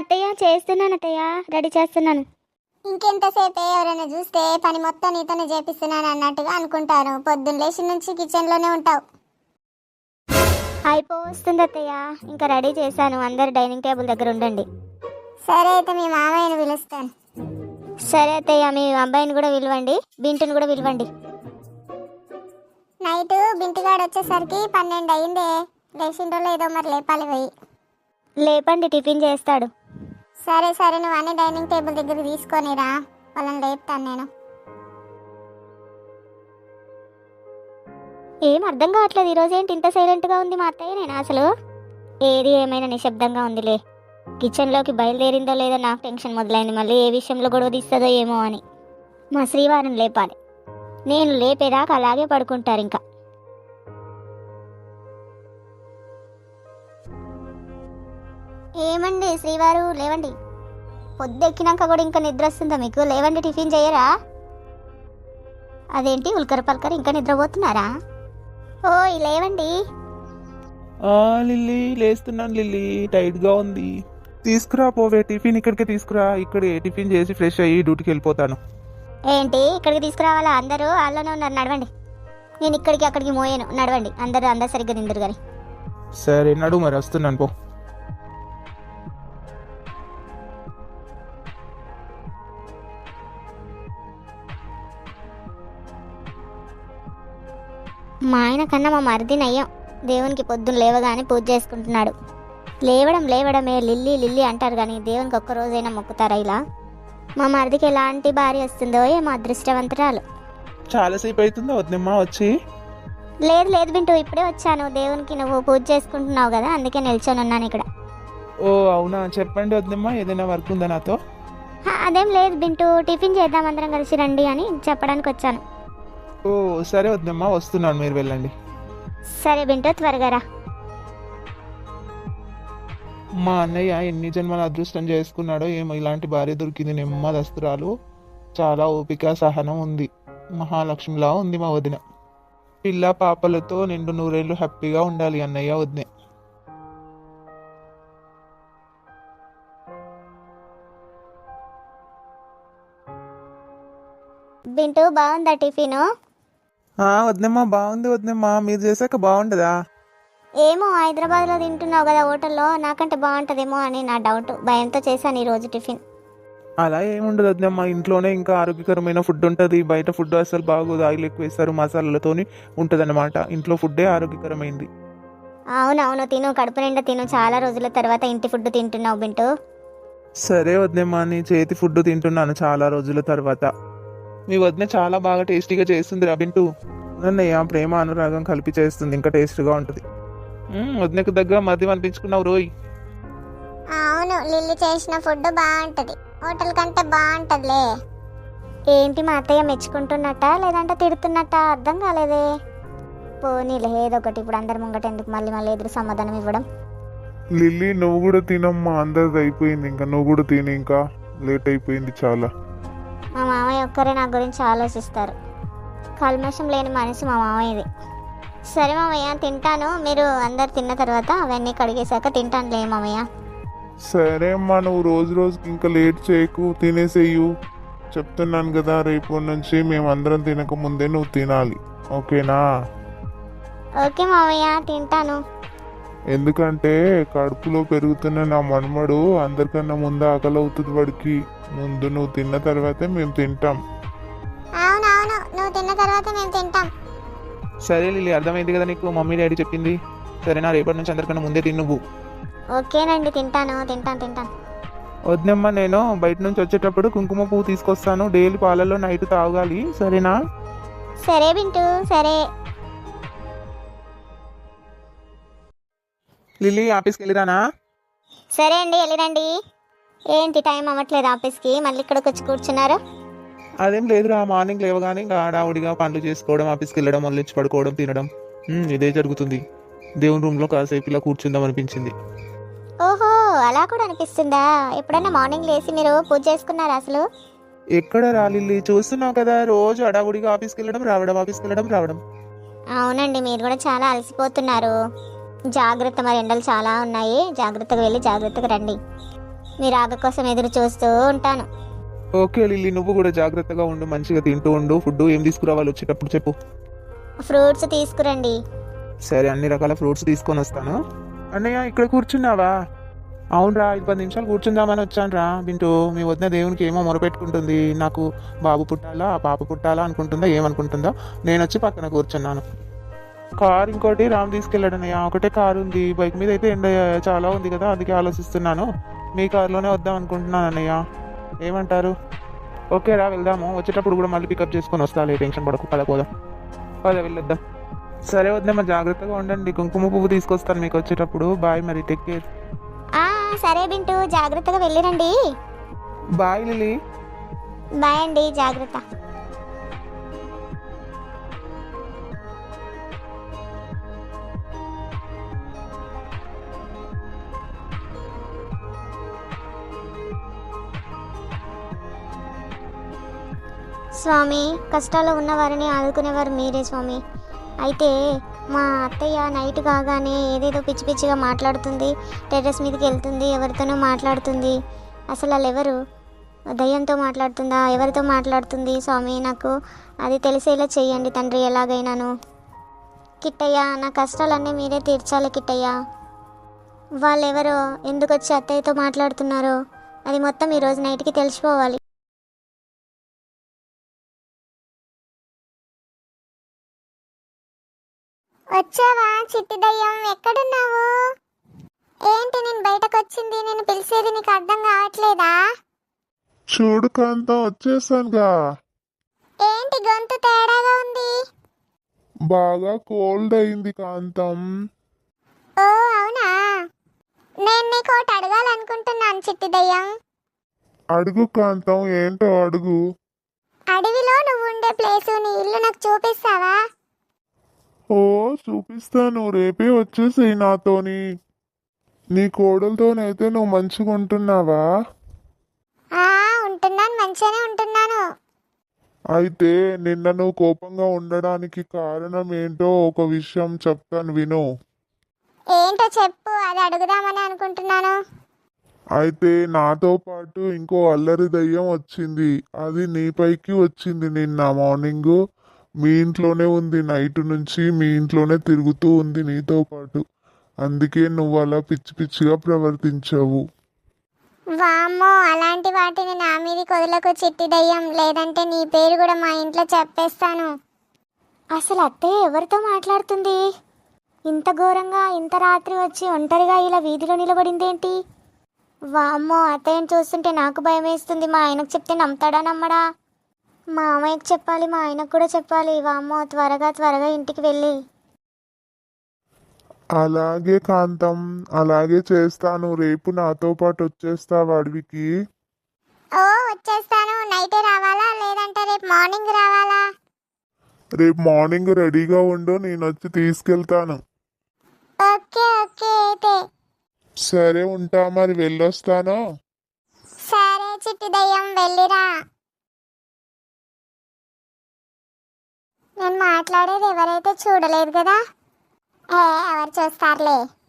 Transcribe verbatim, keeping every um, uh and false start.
అత్తయ్య చేస్తున్నాను అత్తయ్య, రెడీ చేస్తున్నాను. ఇంకెంతసేపే ఎవరైనా చూస్తే పని మొత్తం నీతోనే చేపిస్తున్నాను అన్నట్టుగా అనుకుంటారు. పొద్దున్న లేచి నుంచి కిచెన్లోనే ఉంటావు. అయిపోతుంది అత్తయ్య, ఇంకా రెడీ చేశాను. అందరు డైనింగ్ టేబుల్ దగ్గర ఉండండి. సరే అయితే మీ మామయ్యను పిలుస్తాను. సరే అత్తయ్య, మీ అబ్బాయిని కూడా పిలవండి, బింటుని కూడా పిలవండి. నైట్ బింటిగాడు వచ్చేసరికి పన్నెండు అయిందే. లేచిండో లేదో మరి లేపాలి పోయి. లేపండి, టిఫిన్ చేస్తాడు. సరే సరే నువ్వు అన్ని డైనింగ్ టేబుల్ దగ్గర తీసుకొనిరా, వాళ్ళని లేపుతాను నేను. ఏం అర్థం కావట్లేదు, ఈరోజు ఏంటి ఇంత సైలెంట్గా ఉంది మా అత్తయ్య. నేను అసలు ఏది ఏమైనా నిశ్శబ్దంగా ఉందిలే. కిచెన్లోకి బయలుదేరిందో లేదో నాకు టెన్షన్ మొదలైంది. మళ్ళీ ఏ విషయంలో గొడవ తీస్తుందో ఏమో అని. మా శ్రీవారిని లేపాలి. నేను లేపేదాకా అలాగే పడుకుంటారు ఇంకా. ఏమండి శ్రీవారు, లేవండి. పొద్దెక్కినాక కూడా ఇంకా నిద్ర వస్తుందా మీకు? లేవండి, టిఫిన్ చేయరా? అదేంటి ఉల్కర పల్కర ఇంకా నిద్రపోతున్నారా? ఓయ్ లేవండి. లిల్లీ లేస్తున్నాను లిల్లీ, టైట్ గా ఉంది. తీసుకురా పోవే టిఫిన్, ఇక్కడికే తీసుకురా. ఇక్కడే టిఫిన్ చేసి ఫ్రెష్ అయ్యి డ్యూటీకి వెళ్ళిపోతాను. ఏంటి ఇక్కడికి తీసుకురావాలా? అందరూ వాళ్ళనే ఉన్నారు, నడవండి. నేను ఇక్కడికి అక్కడికి మోయాను, నడవండి. అందరూ అందరు సరిగ్గా నిందరు కానీ. సరే నడు, మరి వస్తున్నాను పో. మా ఆయన కన్నా మా మరిది నయ్యం. దేవునికి పొద్దున్న లేవగానే పూజ చేసుకుంటున్నాడు. లేవడం లేవడమే లిల్లీ లిల్లీ అంటారు కానీ దేవునికి ఒక్కరోజైనా మొక్కుతారా ఇలా? మా మరిదికి ఎలాంటి భార్య వస్తుందో ఏమో, అదృష్టవంతురాలు. చాలాసేపు అవుతుందా వద్దమ్మా వచ్చి? లేదు లేదు బింటూ, ఇప్పుడే వచ్చాను. దేవునికి నువ్వు పూజ చేసుకుంటున్నావు కదా, అందుకే నిల్చొని ఉన్నాను ఇక్కడ. ఓ అవునా, చెప్పండి వద్దమ్మా, ఏదైనా వర్క్ ఉందా నాతో? అదేం లేదు బింటూ, టిఫిన్ చేద్దాం అందరం కలిసి రండి అని చెప్పడానికి వచ్చాను. ఓ సరే వద్దమ్మా, వస్తున్నాను, మీరు వెళ్ళండి. సరే బింటూ, త్వరగా రా. మా అన్నయ్య ఎన్ని జన్మల అదృష్టం చేసుకున్నాడో ఏమో, ఇలాంటి భార్య దొరికింది. నెమ్మదస్తురాలు, చాలా ఓపిక సహనం ఉంది. మహాలక్ష్మిలా ఉంది మా వదిన. పిల్ల పాపలతో నిండు నూరేళ్ళు హ్యాపీగా ఉండాలి అన్నయ్య వదిన. బింటూ బాగుందా టిఫిన్? వద్దమ్మా బాగుంది వద్దమ్మా, మీరు చేశాక బాగుండదా? ఏమో హైదరాబాద్లో తింటున్నావు కదా హోటల్లో, నాకంటే బాగుంటుందేమో అని నా డౌట్. భయంతో చేశాను ఈరోజు టిఫిన్. అలా ఏముండదు వద్దమ్మా, ఇంట్లోనే ఇంకా ఆరోగ్యకరమైన ఫుడ్ ఉంటుంది. బయట ఫుడ్ అసలు బాగోదు, ఆయిల్ ఎక్కువ వేస్తారు, మసాలాలతోని ఉంటుంది అనమాట. ఇంట్లో ఫుడ్డే ఆరోగ్యకరమైంది. అవునవును, తిను, కడుపు నిండా తిను. చాలా రోజుల తర్వాత ఇంటి ఫుడ్ తింటున్నావు బింటూ. సరే వద్దమ్మా, నీ చేతి ఫుడ్ తింటున్నాను చాలా రోజుల తర్వాత. మీ వదిన చాలా బాగా టేస్టీగా చేస్తుంది రా బింటూ. అన్నయ్య ప్రేమ అనురాగం కలిపి చేస్తుంది, ఇంకా టేస్ట్గా ఉంటుంది. వదినకు దగ్గర మద్యం అనిపించుకున్నావు రోయ్. అవును, లిల్లీ చేసిన ఫుడ్ బాగుంటది, హోటల్ కంటే బాగుంటదిలే. ఏంటి మా అత్తయ్య మెచ్చుకుంటున్నట్ట లేదంటే తిడుతున్నట్ట? అర్థం కాలేదే. పోనీలే ఏదో ఒకటి, ఇప్పుడు అందరి ముంగట ఎందుకు మళ్ళీ మళ్ళీ ఎదురు సమాధానం ఇవ్వడం. లిల్లీ నువ్వు కూడా తినమ్మా, అందరిది అయిపోయింది, ఇంకా నువ్వు కూడా తిని, ఇంకా లేట్ అయిపోయింది చాలా. మా మామయ్య ఒక్కరే నా గురించి ఆలోచిస్తారు. కల్మషం లేని మనసు మా మామయ్యది. సరే మామయ్య తింటాను, మీరు అందరు తిన్న తర్వాత అవన్నీ కడిగేశాక తింటానులే మామయ్య. సరే అమ్మా, నువ్వు రోజు రోజుకి ఇంకా లేట్ చేయకు, తినేసేయు. చెప్తున్నాను కదా, రేపు నుంచి మేము అందరం తినక ముందే నువ్వు తినాలి, ఓకేనా? ఓకే మామయ్య, తింటాను. ఎందుకంటే కడుపులో పెరుగుతున్న నా మనమడు అందరికన్నా ముందు ఆకలి అవుతుంది వాడికి. ముందు నువ్వు తిన్న తర్వాతే మేము తింటాం. అవునవును, నువ్వు తిన్న తర్వాత మేము తింటాం. సరే లిల్లీ, అర్థమైంది కదా నీకు మమ్మీ డాడీ చెప్పింది? సరేనా, రేపటి నుంచి అందరికన్నా ముందే తిను నువ్వు. ఓకేనండి, తింటాను తింటాను తింటాను. వద్దమ్మా, నేను బయట నుంచి వచ్చేటప్పుడు కుంకుమ పువ్వు తీసుకొస్తాను, డైలీ పాలల్లో నైట్ తాగాలి, సరేనా? సరే బింటూ, సరే. లిల్లీ ఆఫీస్కి వెళ్ళిరానా? సరే అండి, వెళ్ళిరండి. ఏంటి టైం అవ్వట్లేదు ఆఫీస్కి, మళ్ళీ ఇక్కడికి వచ్చి కూర్చున్నారు? అదేం లేదురా, మార్నింగ్ లేవగానే ఇంకా హడావుడిగా పనులు చేసుకోవడం, ఆఫీస్కి వెళ్ళడం, మళ్ళీ వచ్చి పడుకోవడం, తినడం, ఇదే జరుగుతుంది. దేవుని రూమ్లో కాసేపు ఇలా కూర్చుందాం అనిపించింది. ఓహో, అలా కూడా అనిపిస్తుందా? ఎప్పుడైనా మార్నింగ్ లేచి మీరు పూజ చేసుకున్నారా అసలు? ఎక్కడ రాలిల్లి, చూస్తున్నావు కదా, రోజు హడావుడిగా ఆఫీస్కి వెళ్ళడం రావడం, ఆఫీస్కి వెళ్ళడం రావడం. అవునండి, మీరు కూడా చాలా అలసిపోతున్నారు. జాగ్రత్త, మరి ఎండలు చాలా ఉన్నాయి, జాగ్రత్తగా వెళ్ళి జాగ్రత్తగా రండి. మీ రాక కోసం ఎదురు చూస్తూ ఉంటాను. ఓకే లిల్లీ, నువ్వు కూడా జాగ్రత్తగా ఉండు, మంచిగా తింటూ ఉండు. ఫుడ్ ఏం తీసుకురావాలి వచ్చేటప్పుడు చెప్పు. ఫ్రూట్స్ తీసుకురండి. సరే, అన్ని రకాల ఫ్రూట్స్ తీసుకొని వస్తాను. అన్నయ్య ఇక్కడ కూర్చున్నావా? అవునరా, ఐదు పది నిమిషాలు కూర్చుందామని వచ్చానురా. బింటూ, మీ వదిన దేవునికి ఏమో మొరపెట్టుకుంటుంది. నాకు బాబు పుట్టాలా పాప పుట్టాలా అనుకుంటుందా ఏమనుకుంటుందో. నేను వచ్చి పక్కన కూర్చున్నాను. కార్ ఇంకోటి రామ్ తీసుకెళ్ళాడన్నయ్య. ఒకటే కారు ఉంది, బైక్ మీద అయితే ఎండ చాలా ఉంది కదా, అందుకే ఆలోచిస్తున్నాను. మీ కార్లోనే వద్దాం అనుకుంటున్నాను అన్నయ్య, ఏమంటారు? ఓకే రా, వెళ్దాము. వచ్చేటప్పుడు కూడా మళ్ళీ పికప్ చేసుకొని వస్తాలే, టెన్షన్ పడకు. పద పోదాం, పద వెళ్ళొద్దాం. సరే వద్దామా, జాగ్రత్తగా ఉండండి. కుంకుమ పువ్వు తీసుకొస్తాను మీకు వచ్చేటప్పుడు. బాయ్, మరి టేక్ కేర్. ఆ సరే బింటూ, జాగ్రత్తగా వెళ్ళిరండి. Bye lily. బాయ్ అండి, జాగ్రత్త. స్వామి, కష్టాల్లో ఉన్న వారిని ఆదుకునేవారు మీరే స్వామి. అయితే మా అత్తయ్య నైట్ కాగానే ఏదేదో పిచ్చి పిచ్చిగా మాట్లాడుతుంది, టెర్రస్ మీదకి వెళ్తుంది, ఎవరితోనో మాట్లాడుతుంది. అసలు వాళ్ళు ఎవరు? దయ్యంతో మాట్లాడుతుందా? ఎవరితో మాట్లాడుతుంది స్వామి? నాకు అది తెలిసేలా చెయ్యండి తండ్రి, ఎలాగైనాను. కిట్టయ్య, నా కష్టాలన్నీ మీరే తీర్చాలి కిట్టయ్య. వాళ్ళెవరో, ఎందుకు వచ్చి అత్తయ్యతో మాట్లాడుతున్నారో అది మొత్తం ఈరోజు నైట్కి తెలిసిపోవాలి. వచ్చావా చిట్టి దయ్యం, ఎక్కడున్నావు? ఏంటి నేను బయటకు వచ్చింది, నేను పిలిచేది నీకు అర్థం కావట్లేదా? చూడు కాంతం, వచ్చేసానుగా. ఏంటి గొంతు తేడాగా ఉంది? బాగా కోల్డ్ అయింది కాంతం. ఓ అవునా, నేను నీకు ఒకటి అడగాలనుకుంటున్నాను చిట్టి దయ్యం. అడుగు కాంతం, ఏంటో అడుగు. అడవిలో నువ్వు ఉండే ప్లేసు, నీ ఇల్లు నాకు చూపిస్తావా? ఓ చూపిస్తాను, రేపే వచ్చేసేయి నాతోని. నీ కోడలతోనైతే నువ్వు మంచిగా ఉంటున్నావా? ఆ ఉంటున్నాను, మంచిగానే ఉంటున్నాను. అయితే నిన్న నువ్వు కోపంగా ఉండడానికి కారణం ఏంటో ఒక విషయం చెప్తాను విను. ఏంటో చెప్పు, అది అడుగుదామని అనుకుంటున్నాను. అయితే నాతో పాటు ఇంకో అల్లరి దయ్యం వచ్చింది. అది నీపైకి వచ్చింది నిన్న మార్నింగ్. మీ ఇంట్లోనే ఉంది, నైట్ నుంచి మీ ఇంట్లోనే తిరుగుతూ ఉంది నీతో పాటు. అందుకే నువ్వు అలా పిచ్చి పిచ్చిగా ప్రవర్తించావు. వామ్మో, అలాంటి వాటిని నా మీది కొదలకు చిట్టి దయ్యం, లేదంటే నీ పేరు కూడా మా ఇంట్లో చెప్పేస్తాను. అసలు అత్తయ్య ఎవరితో మాట్లాడుతుంది? ఇంత ఘోరంగా ఇంత రాత్రి వచ్చి ఒంటరిగా ఇలా వీధిలో నిలబడిందేంటి? వామ్మో, అత్తయ్యని చూస్తుంటే నాకు భయం వేస్తుంది. మా ఆయనకు చెప్తే నమ్ముతాడా నమ్మడా? మా అమ్మయ్యకు చెప్పాలి, మా ఆయనకు కూడా చెప్పాలి. వామ్మో, త్వరగా త్వరగా ఇంటికి వెళ్ళి. అలాగే కాంతం, అలాగే చేస్తాను. రేపు నాతో పాటు వచ్చేస్తావా అడవికి? ఓ వచ్చేస్తాను. నైటే రావాలా లేదంటే రేపు మార్నింగ్ రావాలా? రేపు మార్నింగ్ రెడీగా ఉండు, నేను వచ్చి తీసుకెళ్తాను. ఓకే ఓకే అయితే. సరే ఉంటా, మరి వెళ్ళొస్తాను. సరే చిట్టి దయ్యం, వెళ్ళిరా. నేను మాట్లాడేది ఎవరైతే చూడలేదు కదా? ఏ ఎవరు చూస్తారులే.